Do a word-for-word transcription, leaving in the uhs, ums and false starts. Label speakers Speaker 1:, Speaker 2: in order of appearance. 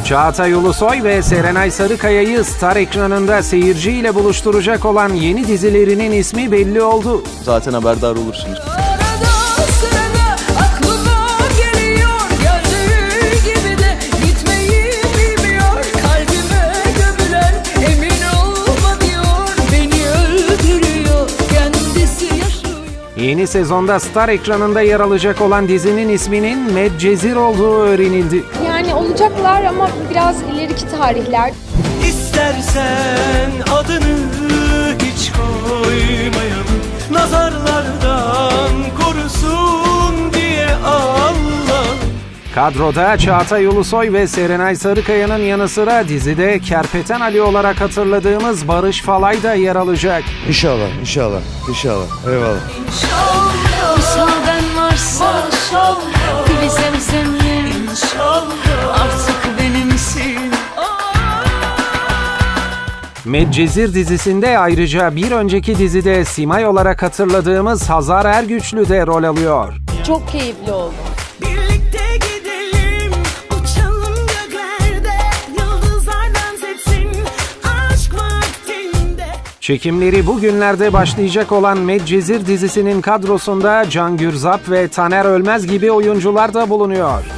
Speaker 1: Çağatay Ulusoy ve Serenay Sarıkaya'yı Star ekranında seyirciyle buluşturacak olan yeni dizilerinin ismi belli oldu.
Speaker 2: Zaten haberdar olursunuz.
Speaker 3: Arada sırada aklıma geliyor, gördüğü gibi de gitmeyi bilmiyor. Kalbime gömülen emin olma diyor, beni öldürüyor, kendisi yaşıyor.
Speaker 1: Yeni sezonda Star ekranında yer alacak olan dizinin isminin Medcezir olduğu öğrenildi.
Speaker 4: Yani olacaklar ama biraz ileriki tarihler.
Speaker 5: İstersen adını hiç koymayalım, nazarlardan korusun diye Allah.
Speaker 1: Kadroda Çağatay Ulusoy ve Serenay Sarıkaya'nın yanı sıra dizide Kerpeten Ali olarak hatırladığımız Barış Falay da yer alacak.
Speaker 6: İnşallah, inşallah, inşallah. Eyvallah.
Speaker 3: İnşallah müsaaden varsa gülü zemzemle artık benimsin.
Speaker 1: Medcezir dizisinde ayrıca bir önceki dizide Simay olarak hatırladığımız Hazar Ergüçlü de rol alıyor.
Speaker 4: Çok keyifli oldu.
Speaker 3: Birlikte gidelim, uçalım göklerde, yıldızlar dans etsin aşk vaktinde.
Speaker 1: Çekimleri bugünlerde başlayacak olan Medcezir dizisinin kadrosunda Can Gürzap ve Taner Ölmez gibi oyuncular da bulunuyor.